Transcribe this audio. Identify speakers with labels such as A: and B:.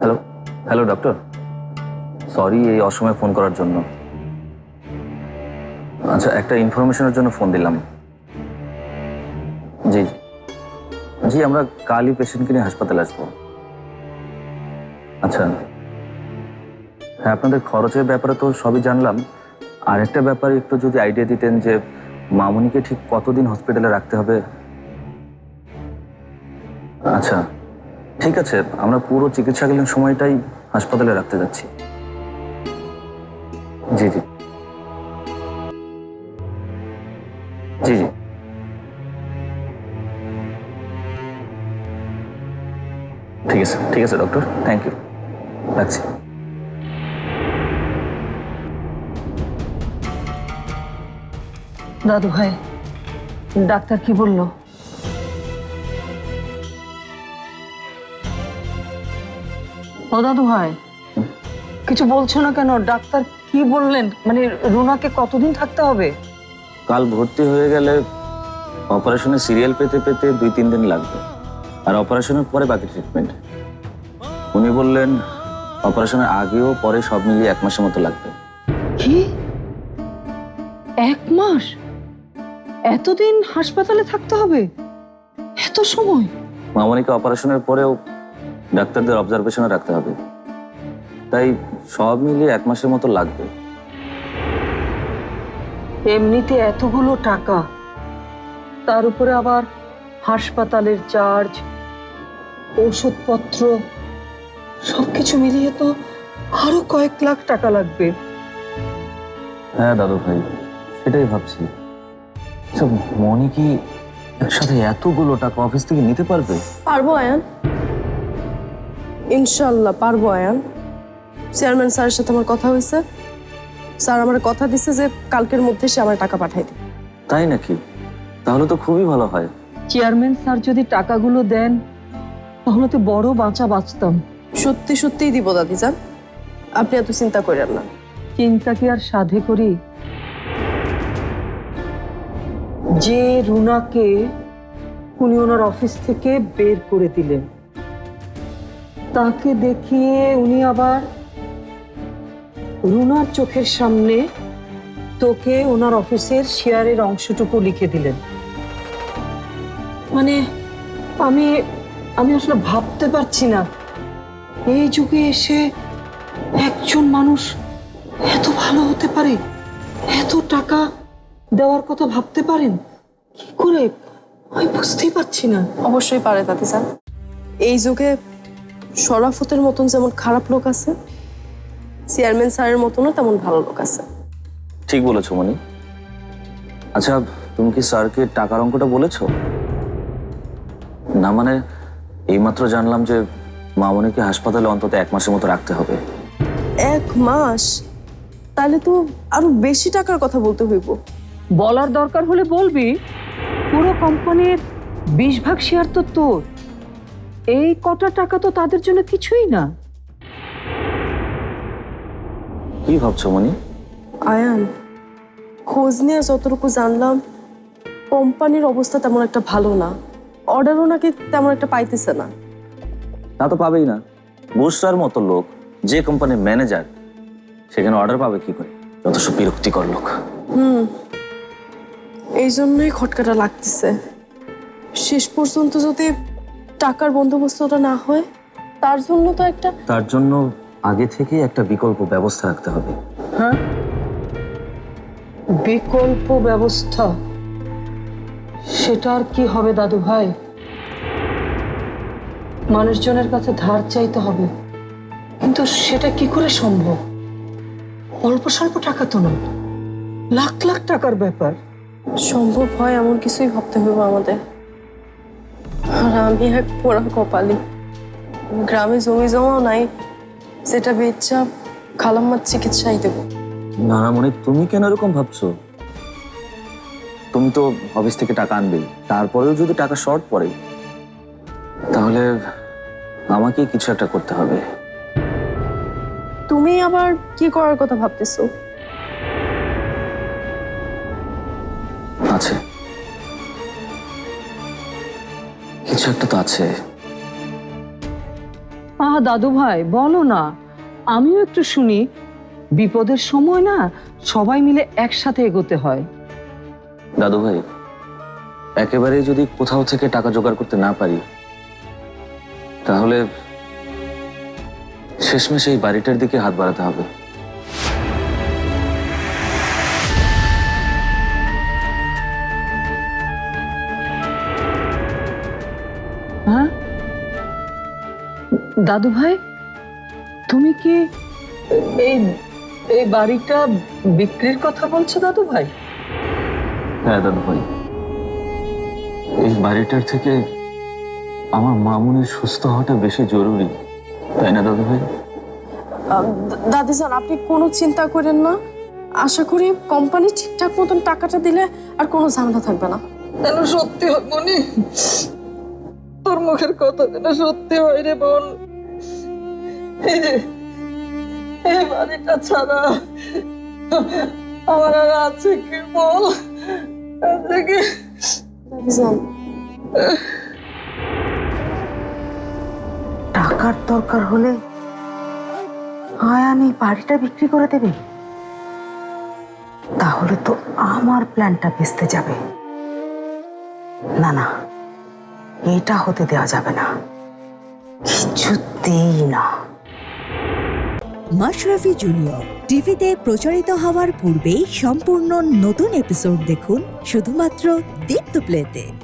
A: Hello hello doctor, sorry এই অসময়ে phone করার জন্য। আচ্ছা, একটা ইনফরমেশনের জন্য ফোন দিলাম। জি জি জি, আমরা কালই পেশেন্টকে নিয়ে হাসপাতালে আসবো। আচ্ছা, হ্যাঁ, আপনাদের খরচের ব্যাপারে তো সবই জানলাম। আর একটা ব্যাপারে একটু যদি আইডিয়া দিতেন যে মামুনিকে ঠিক কতদিন হসপিটালে রাখতে হবে। আচ্ছা, ঠিক আছে, আমরা পুরো চিকিৎসাকালীন সময়টাই হাসপাতালে রাখতে যাচ্ছি। জি জি জি জি ঠিক আছে ডক্টর, থ্যাংক ইউ, রাখছি।
B: দাদু ভাই, ডাক্তার কি বললো? ও দাদু ভাই, কিছু বলছো না কেন? ডাক্তার কি বললেন? মানে রুনাকে কতদিন থাকতে হবে?
A: কাল ভর্তি হয়ে গেলে অপারেশনের সিরিয়াল পেতে পেতে 2-3 দিন লাগবে, আর অপারেশনের পরে বাকি ট্রিটমেন্ট। উনি বললেন অপারেশনের আগেও পরে সব মিলিয়ে 1 মাসের মতো লাগবে।
B: কি 1 মাস? এতদিন হাসপাতালে থাকতে হবে? এত সময়?
A: মামনিকে অপারেশনের পরেও ডাক্তারদের অবজারভেশনে রাখতে হবে, তাই সব মিলিয়ে 1 মাসের মতো লাগবে।
B: এমনিতে এতগুলো টাকা, তার উপরে আবার হাসপাতালের চার্জ, ওষুধপত্র, সবকিছু মিলিয়ে তো আরো কয়েক লাখ টাকা লাগবে।
A: হ্যাঁ দাদু ভাই, সেটাই ভাবছি। আচ্ছা, মনি কি একসাথে এতগুলো টাকা অফিস থেকে নিতে পারবে?
C: পারবো আয়ান, ইনশাল্লাহ পারবো আয়ান। চেয়ারম্যান স্যারের সাথে আমার কথা হয়েছে। স্যার আমার কথা দিছে যে কালকের মধ্যে সে আমার টাকা পাঠাই দিবে।
A: তাই নাকি? তাহলে তো খুবই ভালো হয়।
B: চেয়ারম্যান স্যার যদি টাকাগুলো দেন তাহলে তো বড় বাঁচতাম।
C: সত্যি সত্যিই দিব দাদি যান, আপনি এত চিন্তা করেন না।
B: চিন্তা কি আর সাধে করি? যে রুনাকে উনি ওনার অফিস থেকে বের করে দিলেন, তাকে দেখিয়ে উনি আবার রুনার চোখের সামনে তোকে ওনার অফিসের শেয়ারের অংশটুকু লিখে দিলেন। মানে আমি আমি আসলে ভাবতে পারছি না, এই যুগে এসে একজন মানুষ এত ভালো হতে পারে, এত টাকা দেওয়ার কথা ভাবতে পারেন কি করে? আমি বুঝতেই পারছি না।
C: অবশ্যই পারে দাদি যান। এই যুগে শরাফতের মতন যেমন খারাপ লোক আছে, চেয়ারম্যান স্যারের মতনও তেমন ভালো লোক আছে।
A: ঠিক বলেছো মনি। আচ্ছা, তুমি কি স্যারকে টাকার অঙ্কটা বলেছো? না মানে এইমাত্র জানলাম যে মামনিকে হাসপাতালে অন্তত 1 মাসের মতো রাখতে হবে।
C: 1 মাস? তাহলে তো আরো বেশি টাকার কথা বলতে হইব।
B: বলার দরকার হলে বলবি, পুরো কোম্পানির 20 ভাগ শেয়ার তো তোর। এই কটা টাকা তো তাদের জন্য কিছুই না।
A: কি ভাবছো মনি?
C: আয়ান, খোঁজ নিয়ে যতটুকু জানলাম কোম্পানির অবস্থা তেমন একটা ভালো না। অর্ডারও নাকি তেমন একটা পাইতেছে না।
A: তা তো পাবেই না। বুসরার মতো লোক যে কোম্পানির ম্যানেজার, সেখানে অর্ডার পাবে কি করে? যথেষ্ট বিরক্তিকর লোক।
C: এই জন্যই খটকাটা লাগতেছে। শেষ পর্যন্ত যদি টাকার বন্দোবস্তটা না হয়, তার জন্য তো একটা
A: তার জন্য আগে থেকে একটা বিকল্প ব্যবস্থা রাখতে হবে।
B: হ্যাঁ, বিকল্প ব্যবস্থা? সেটার কি হবে দাদু ভাই? মানুষজনের কাছে ধার চাইতে হবে, কিন্তু সেটা কি করে সম্ভব? অল্প স্বল্প টাকা তো নয়, লাখ লাখ টাকার ব্যাপার।
C: সম্ভব হয় এমন কিছুই ভাবতে হবে আমাদের। আর আমি এক পোড়া কপালি, গ্রামে জমি জমাও নাই যেটা বেচা খালাম্মার চিকিৎসাই দেবো।
A: না না মনে, তুমি কেন এরকম ভাবছো? তুমি তো অফিস থেকে টাকা আনবেই, তারপরেও যদি টাকা শর্ট পড়ে তাহলে আমাকে কিছু একটা করতে হবে।
C: তুমি আবার কি করার কথা ভাবতেছো?
A: আছে, কিছু একটা তো আছে।
B: দাদু ভাই বলো না, আমিও একটু শুনি। বিপদের সময় না সবাই মিলে একসাথে এগোতে হয়।
A: দাদু ভাই, একেবারে যদি কোথাও থেকে টাকা জোগাড় করতে না পারি, তাহলে শেষমেশ এই বাড়িটার দিকে হাত বাড়াতে হবে।
B: হ্যাঁ দাদু ভাই, তুমি কি এই এই বাড়িটা বিক্রির কথা বলছো দাদু ভাই?
A: হ্যাঁ দাদু ভাই, এই বাড়িটার থেকে আমার মামুনের সুস্থ হওয়াটা বেশি জরুরি, তাই না দাদু ভাই?
C: দাদিজান, আপনি কোনো চিন্তা করেন না। আশা করি কোম্পানি ঠিকঠাক মতন টাকাটা দিলে আর কোনো ঝামেলা থাকবে না।
B: যেন সত্যি হয় মনি, তোর মুখের কথা যেন সত্যি হয় রে বোন। এই যে এই বাড়িটা ছাড়া আমার আর আছে কি বল? আছে কি?
C: দাদিজান,
D: টাকার দরকার হলে আয়ান এই বাড়িটা বিক্রি করে দেবে, তাহলে তো আমার প্ল্যানটা ভেস্তে যাবে। না না, এটা হতে দেওয়া যাবে না, কিছুতেই না।
E: মাশরাফি জুনিয়র টিভিতে প্রচারিত হওয়ার পূর্বেই সম্পূর্ণ নতুন এপিসোড দেখুন শুধুমাত্র দীপ্ত প্লেতে।